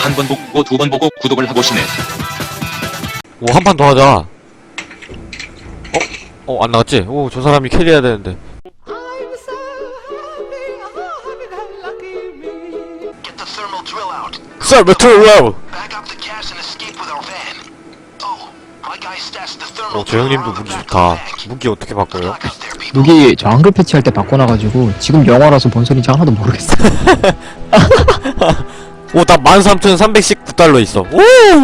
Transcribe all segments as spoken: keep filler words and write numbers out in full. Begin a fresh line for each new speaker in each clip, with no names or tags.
한 번 보고 두 번 보고 구독을 하고시네.
오, 한 판 더 하자. 어? 어, 안 나왔지? 오, 저 사람이 캐리해야 되는데. 썰, 메트로 웨어! 어, 저 형님도 무기 좋다. 무기 어떻게 바꿔요?
무기 저 한글 패치할 때 바꿔놔가지고 지금 영어라서 뭔 소리인지 하나도 모르겠어.
오, 나 만 삼천 삼백십구 달러 있어. 오!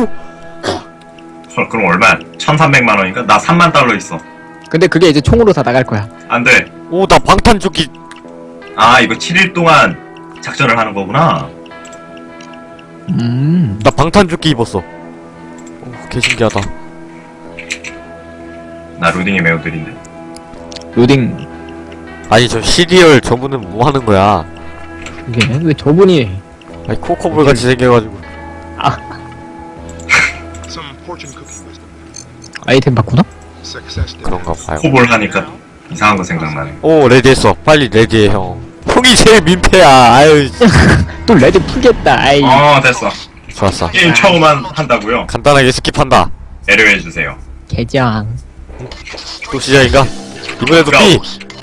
헐, 그럼 얼마야? 천삼백만 원인가? 나 삼만 달러 있어.
근데 그게 이제 총으로 다 나갈 거야.
안 돼.
오, 나 방탄조끼.
아, 이거 칠 일 동안 작전을 하는 거구나.
음.
나 방탄조끼 입었어. 오, 개신기하다.
나 루딩이 매우 느린데.
로딩.
아니, 저 시리얼 저분은 뭐 하는 거야?
이게 왜 저분이
아니, 코코볼 같이 생겨가지고.
아이템 바꾸나?
그런가 봐요.
코볼 하니까 이상한 거 생각나네.
오, 레디했어. 빨리 레디해, 형. 형이 제일 민폐야. 아유,
또 레드 풀겠다. 아이.
어, 됐어.
좋았어.
게임 처음만 한다고요?
간단하게 스킵한다.
배려해주세요.
개장.
또 시작인가? 이번에도 B!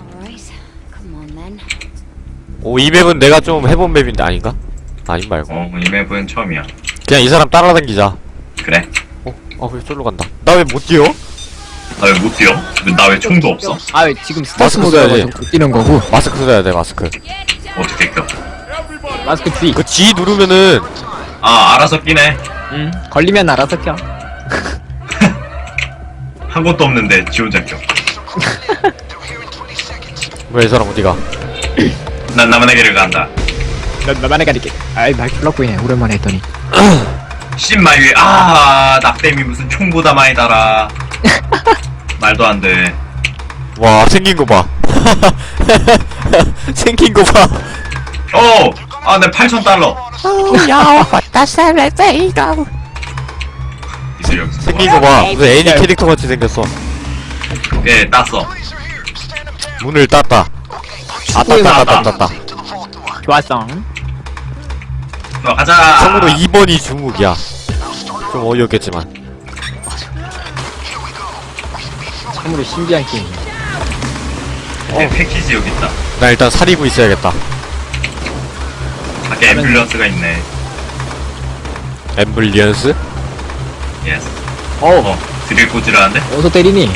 오, 이 맵은 내가 좀 해본 맵인데 아닌가? 아닌 말고.
어, 이 맵은 처음이야.
그냥 이 사람 따라다니자.
그래.
어? 어, 그래, 쫄로 간다. 나 왜 못 뛰어?
나 왜 못 뛰어? 나 왜 총도 없어?
아 지금 스타트
마스크
모드라서
써야지.
못 뛰는 거고.
마스크 써야 돼, 마스크.
어떻게 껴?
마스크 G.
그 G 누르면은,
아, 알아서 끼네.
응. 걸리면 알아서 껴.
한 것도 없는데 지 혼자 껴.
왜 이 사람 어디가?
난 나만의 길을 간다.
나 나만의 가리게. 아이 말 졸라 꼬이네. 오랜만에 했더니.
신마유에 아 낙댐이 무슨 총보다 많이 달아. 말도 안 돼.
와, 생긴 거 봐. 생긴 거 봐.
어! 아, 내 팔천 달러.
야, 왔다, 셀레베이가.
이슬 여기서
생긴 거 봐. 무슨 애니 캐릭터 같이 생겼어.
예, 땄어.
문을 땄다. 아, 땄다, 땄다, 땄다.
좋았어.
어, 가자.
참고로 이 번이 중국이야. 좀 어이없겠지만.
참으로 신기한 게임.
내 패키지 여기 있다.
나 일단 사리고 있어야겠다.
밖에 앰뷸런스가 있네.
앰블리언스?
예스.
어.
어, 드릴 꽂으라는데?
어디서 때리니?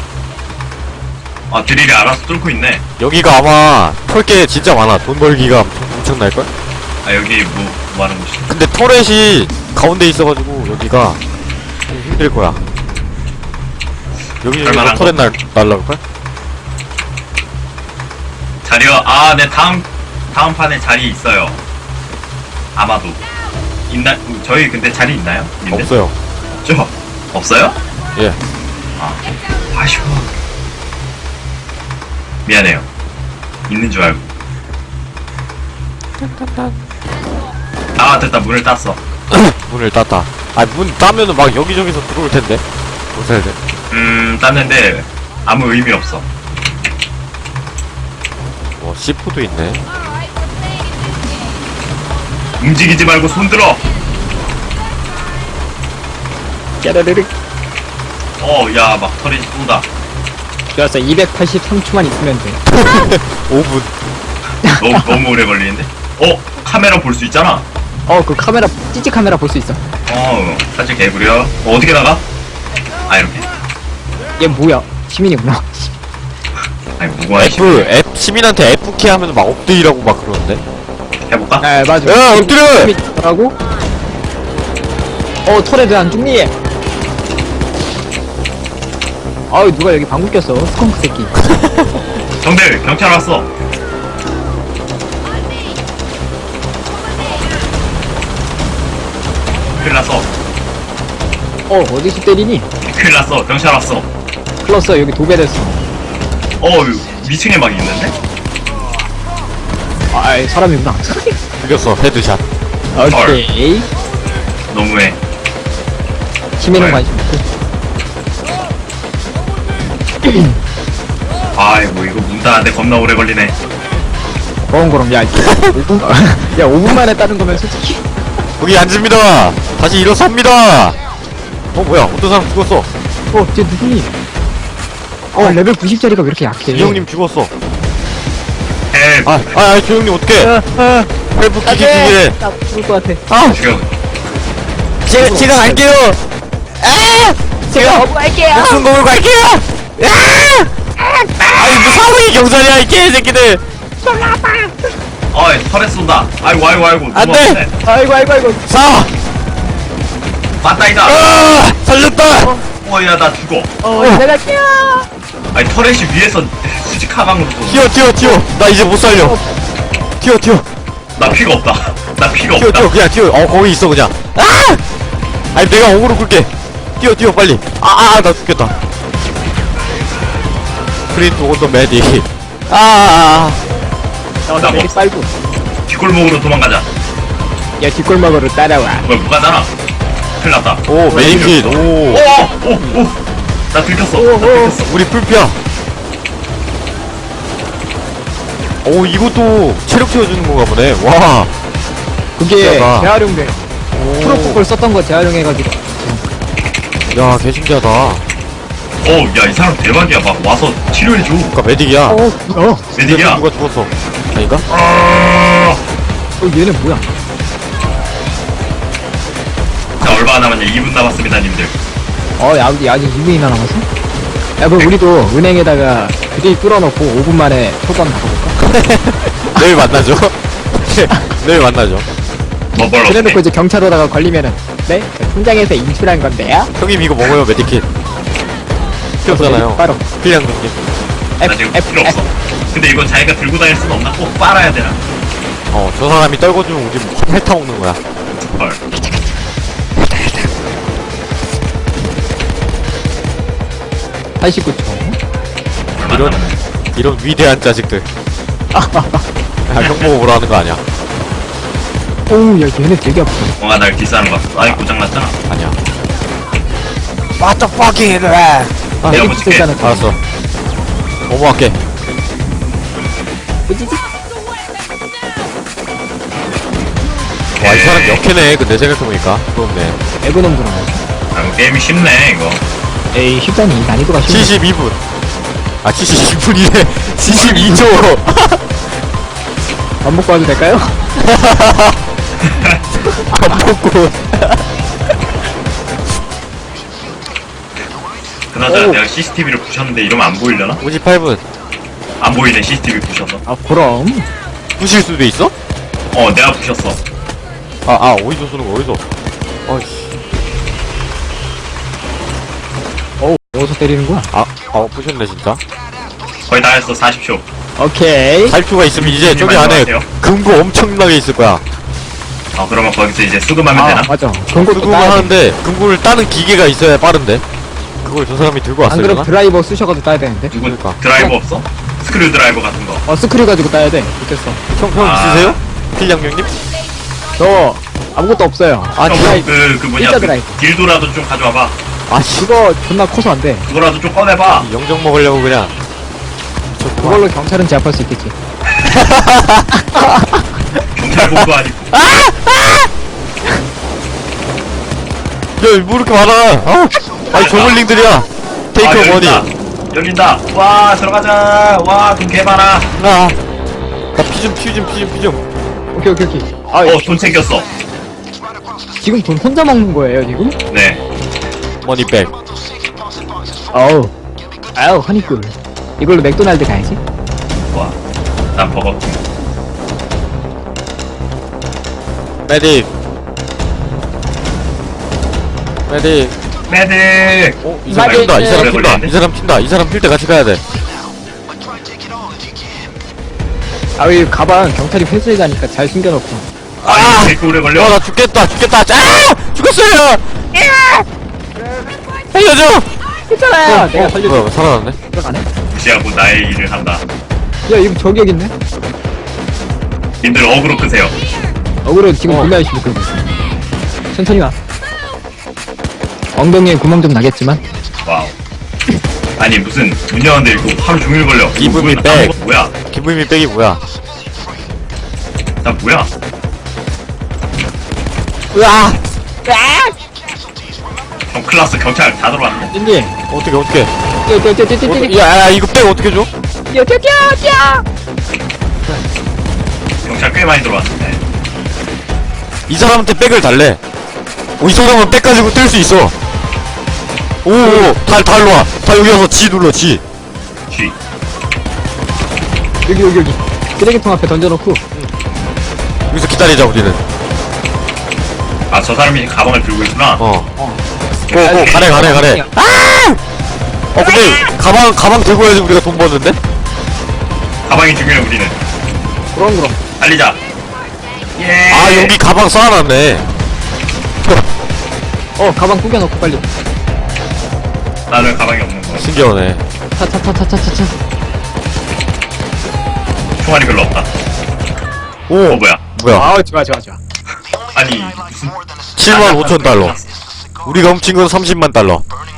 아, 드릴이 알아서 뚫고 있네.
여기가 아마 털게 진짜 많아. 돈 벌기가 엄청, 엄청날걸?
아, 여기 뭐, 뭐 하는 곳이야?
근데 터렛이 가운데 있어가지고 여기가 좀 힘들 거야. 여기 여기
할만한
터렛 날, 날라올걸?
자리요. 아, 네, 다음, 다음 판에 자리 있어요. 아마도. 있나, 저희 근데 자리 있나요? 님들?
없어요.
없죠? 없어요?
예.
아, 아쉬워. 미안해요. 있는 줄 알고. 아, 됐다. 문을 땄어.
문을 땄다. 아, 문 따면은 막 여기저기서 들어올 텐데. 못해야 돼.
음, 땄는데 아무 의미 없어.
뭐, 씨푸도 있네.
움직이지 말고 손 들어.
깨르르륵.
어, 야, 막 털이 쏜다.
좋았어. 이백팔십삼 초만 있으면 돼.
오 분.
너무 너무 오래 걸리는데? 어, 카메라 볼 수 있잖아.
어 그 카메라 찌찌 카메라 볼 수 있어.
어, 사실 개구려. 어, 어떻게 나가? 아, 이렇게.
얘 뭐야? 시민이구나.
아니, 무거운
F, F, 시민한테 F키 하면 막 엎드리라고 막 그러는데?
해볼까?
아 맞아.
야, 엎드려!
시민이라고? 어 털에 안 죽니? 아유 누가 여기 방구 꼈어? 스컹크 새끼.
정들, 경찰 왔어. 큰일 났어.
어 어디서 때리니?
큰일 났어. 경찰 왔어.
클렀어 여기 도배됐어.
어, 위층에 막 있는데?
아이 사람이구나.
죽였어, 헤드샷.
오케이.
너무해.
시민은
헐.
관심 없고.
아이고, 이거 문 닫는데 겁나 오래 걸리네.
그럼 그럼 야 오 분 야 오 분 만에 따는 거면 솔직히
거기 앉습니다. 다시 일어섭니다. 어 뭐야 어떤 사람 죽었어.
어, 쟤 누구니? 어, 레벨 구십짜리가 왜 이렇게 약해?
이 형님 죽었어.
헬.
아, 아, 아, 저 형님 어떡해.
아, 아,
헬프 키키키에.
나 죽을 것 같아.
아,
지금
제가, 제가 갈게요. 아! 제가
어부 갈게요.
목숨 걸고 갈게요. 아! 아니, 뭐 사무이 경찰이야, 이 개새끼들.
어이 털에 쏜다. 아이고 아이고 아이고.
안 돼!
누웠네.
아이고, 아이고, 아이고.
사!
맞다이다.
아! 살렸다!
어야 나 죽어.
어, 내가 갈게요.
아니 터렛이 위에서 수직하방으로 쏘.
튀어, 튀어, 튀어. 나 이제 못 살려. 튀어, 튀어.
나 피가 없다. 나 피가
튀어,
없다.
튀어. 그냥 튀어. 어, 거기 있어, 그냥. 아! 아니, 내가 어그로 끌게. 뛰어, 뛰어, 빨리. 아, 아, 아, 나 죽겠다. 프린트 온더 메디. 아, 아,
어,
나
내리
뭐.
빨고.
뒷골목으로 도망가자.
야, 뒷골목으로 따라와.
뭐야 못 가잖아. 큰일 났다.
아. 오, 메디킷. 오.
오오오. 나 들켰어.
오,
나
오.
들켰어.
우리 풀피야. 오, 이것도 체력 채워주는 건가 보네. 와.
그게
신기하다.
재활용돼. 프로포콜 썼던 거 재활용해가지고.
야, 개 신기하다.
어우 야 이 사람 대박이야. 막 와서 치료해줘.
그니까 메딕이야.
어, 어,
메딕이야.
누가 죽었어. 아닌가?
아.
어, 얘는 뭐야?
자 얼마 남았냐? 이 분 남았습니다 님들.
어, 야, 우리 아직 이 분이나 남았어? 야, 그럼 우리도 은행에다가 그대이 뚫어놓고 오 분 만에 초반 바꿔볼까?
내일 만나죠. 내일 만나죠.
뭐 벌러.
그래놓고 이제 경찰 오다가 걸리면은 네? 통장에서 인출한 건데요?
형님 이거 먹어요, 메디킷. 필요 없잖아요.
바로
필량 형님.
나 지금 필요 없어. 근데 이건 자기가 들고 다닐 순 없나? 꼭 빨아야 되나?
어, 저 사람이 떨궈주면 우리 핥아 먹는 거야.
헐.
팔십구 초.
얼마
이런,
남았냐?
이런 위대한 자식들. 아, 형 보고 뭐라 하는 거 아니야.
오우, 야, 얘네 되게 아프다.
뭔가 날 디스하는 것 같아. 아니 고장났잖아.
아니야. What the fucking rat? 아,
내가
애기
뭐
붙었잖아.
알았어. 어머할게.
그지지?
와, 이 사람 역해네. 근데 생각해보니까. 부럽네.
에그놈들은.
아, 게임이 쉽네 이거.
에이, 쉽다니. 난이도가 쉽네.
칠십이 분. 아, 칠십이 분이래. 칠십이 초.
밥 먹고 와도 될까요?
밥 먹고.
그나저나
오.
내가 씨씨티비를 부셨는데 이러면 안 보이려나?
오십팔 분.
안 보이네 씨씨티비 부셔서.
아, 그럼.
부실 수도 있어?
어 내가 부셨어.
아, 아, 어디서 쏘는 거, 어디서? 어이씨.
어우, 어디서 때리는 거야?
아, 아, 부셨네, 진짜.
거의 다 했어. 사십 초.
오케이.
사 초가 있으면 이제 저기 안에
말씀하세요.
금고 엄청나게 있을 거야.
아 그러면 거기서 이제 수금하면
아,
되나?
맞아. 금고 또
금고를
따야 돼.
하는데, 금고를 따는 기계가 있어야 빠른데? 그걸 저 사람이 들고
안
왔으려나?
그럼 드라이버 쑤셔가지고 따야 되는데?
누구
그러니까.
드라이버 없어? 스크류 드라이버 같은 거.
어, 스크류 가지고 따야 돼. 좋겠어.
형, 형
아.
있으세요? 필량형님?
저, 아무것도 없어요.
아,
형,
드라이,
그, 그 뭐냐
진짜
그
드라이버.
딜도라도 좀 가져와봐.
아, 씨.
그거 존나 커서 안 돼.
그거라도 좀 꺼내봐.
영정 먹으려고 그냥. 미쳤구만.
그걸로 경찰은 제압할 수 있겠지.
경찰 본거 아니고.
야, 뭐 이렇게 많아? 아, 아니, 저글링들이야. 테이크
아,
머니.
열린다. 열린다. 와 들어가자. 와 돈 개많아.
아, 나 피 좀, 피 좀, 피 좀, 피 좀.
오케이, 오케이, 오케이. 아,
어 돈 챙겼어.
지금 돈 혼자 먹는 거예요, 지금?
네.
머니백.
어우. 아우, 허니꿀. 이걸로 맥도날드 가야지.
와. 난 버거.
메딕. 메딕.
메딕.
어, 이 사람
메딕.
튄다, 이 사람
오래
튄다,
걸리는데?
이 사람 튄다, 이 사람 튈 때 같이 가야 돼.
아, 이 가방 경찰이 회수해 가니까 잘 숨겨놓고.
아 이거 되게 오래 걸려.
어, 나 죽겠다, 죽겠다. 아! 죽었어요! 살려줘!
괜찮아요. 내가
어,
살려줘.
뭐야, 살아났네?
들어가네.
무시하고 나의 일을 한다.
야, 이거 저기 여기 있네.
님들 어그로 끄세요.
어그로 지금
어.
구매 열심히 끌고 있어. 천천히 와. 엉덩이에 구멍 좀 나겠지만.
와우. 아니 무슨 문 여는데 이거 하루 종일 걸려.
Give me
문-
back.
아, 뭐야?
김부민 백이 뭐야?
나 뭐야?
으아!
형 클라스 경찰 다 들어왔네.
닌디!
어떻게 어떻게?
뛰어, 뛰어, 뛰어, 뛰어, 뛰어, 뛰어,
야야 이거 백 어떻게 줘?
뛰어, 뛰어, 뛰어, 뛰어!
경찰 꽤 많이 들어왔는데.
이 사람한테 백을 달래. 오, 이 사람은 백 가지고 뜰 수 있어. 오오 달 달로 와. 다 여기 와서 G 눌러 G.
G.
여기, 여기, 여기. 쓰레기통 앞에 던져놓고.
여기서 기다리자 우리는.
아, 저 사람이 가방을 들고 있구나.
어.
어.
오, 오, 가래, 가래, 가래. 어, 근데, 가방, 가방 들고 해야지 우리가 돈 버는데?
가방이 중요해, 우리는.
그럼, 그럼.
달리자. 예.
아, 여기 가방 쌓아놨네.
어, 가방 구겨놓고 빨리.
나는 가방이 없는 거야.
신기하네.
차, 차, 차, 차, 차, 차, 차.
총알이 별로 없다.
오,
어, 뭐야.
뭐야.
아, 좋아, 좋아, 좋아.
아니, 무슨.
칠만 오천 달러. 우리가 훔친 건 삼십만 달러.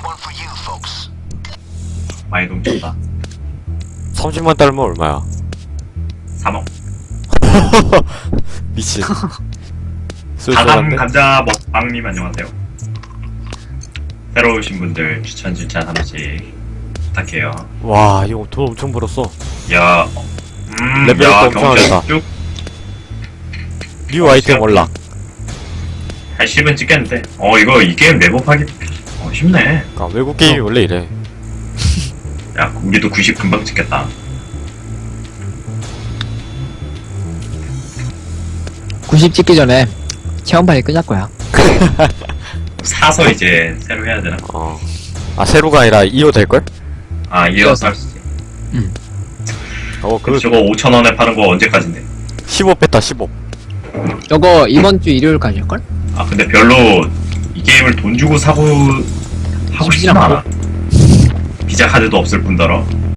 많이 넘쳤다.
삼십만 달러면 얼마야?
삼억.
미친.
다감
쏠쏠한데?
감자 먹방님 안녕하세요. 새로 오신 분들 추천 추천 하나씩 부탁해요.
와, 이거 돈 엄청 벌었어.
야, 음,
레벨업도
야,
엄청
경찰
하겠다.
쭉
뉴 아이템 올라.
팔십은 찍겠는데. 어, 이거 이 게임 랩업하기 어, 쉽네.
아, 외국 게임이 원래 이래.
야, 우리도 구십 금방 찍겠다.
구십 찍기 전에 체험판이 끝날 거야.
사서 이제 새로 해야 되나?
어. 아, 세로가 아니라 이어 될걸?
아, 이어서 할 수 있지.
어, 그,
저거 오천 원에 파는 거 언제까지인데?
십오 뺐다, 십오.
저거 이번 주 일요일까지일걸?
아, 근데 별로 이 게임을 돈 주고 사고 하고 싶진 않아. 비자 카드도 없을 뿐더러.